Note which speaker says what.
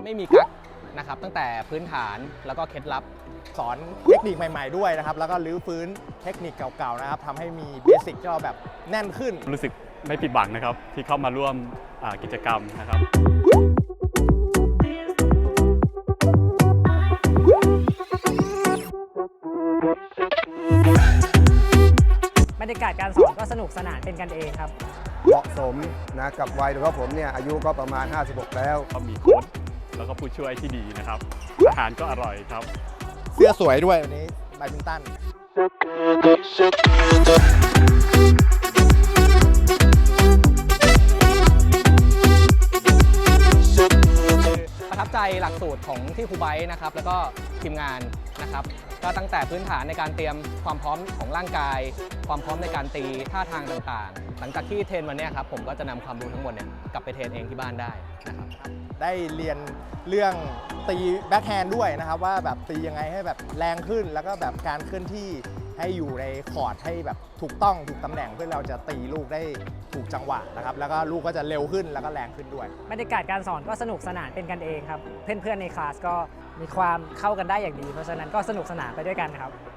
Speaker 1: ไม่มีกั๊กนะครับตั้งแต่พื้นฐานแล้วก็เคล็ดลับ
Speaker 2: สอนเทคนิคใหม่ๆด้วยนะครับแล้วก็รื้อฟื้นเทคนิคเก่าๆนะครับทำให้มีเบสิกที่เราแบบแน่นขึ้น
Speaker 3: รู้สึกไม่ผิดหวังนะครับที่เข้ามาร่วมกิจกรรมนะครับ
Speaker 4: บรรยากาศการสอนก็สนุกสนานเป็นกันเองครับ
Speaker 5: เหมาะสมนะกับวัยโดยเฉพาะผมเนี่ยอายุก็ประมาณ56แล้ว
Speaker 3: ก็มีโค้ชแล้วก็ผู้ช่วยที่ดีนะครับอาหารก็อร่อยครับ
Speaker 2: เสื้อสวยด้วยวันนี้แบดมินตัน
Speaker 1: ประทับใจหลักสูตรของที่ครูไบร์ทนะครับแล้วก็ทีมงานนะครับก็ตั้งแต่พื้นฐานในการเตรียมความพร้อมของร่างกายความพร้อมในการตีท่าทางต่างๆหลังจากที่เทรนวันนี้ครับผมก็จะนำความรู้ทั้งหมดเนี่ยกลับไปเทรนเองที่บ้านได้นะครับ
Speaker 2: ได้เรียนเรื่องตีแบ็คแฮนด์ด้วยนะครับว่าแบบตียังไงให้แบบแรงขึ้นแล้วก็แบบการเคลื่อนที่ให้อยู่ในคอร์ดให้แบบถูกต้องถูกตำแหน่งเพื่อเราจะตีลูกได้ถูกจังหวะนะครับแล้วก็ลูกก็จะเร็วขึ้นแล้วก็แรงขึ้นด้วย
Speaker 4: บรรยากาศการสอนก็สนุกสนานเป็นกันเองครับเพื่อนๆในคลาสก็มีความเข้ากันได้อย่างดีเพราะฉะนั้นก็สนุกสนานไปด้วยกันครับ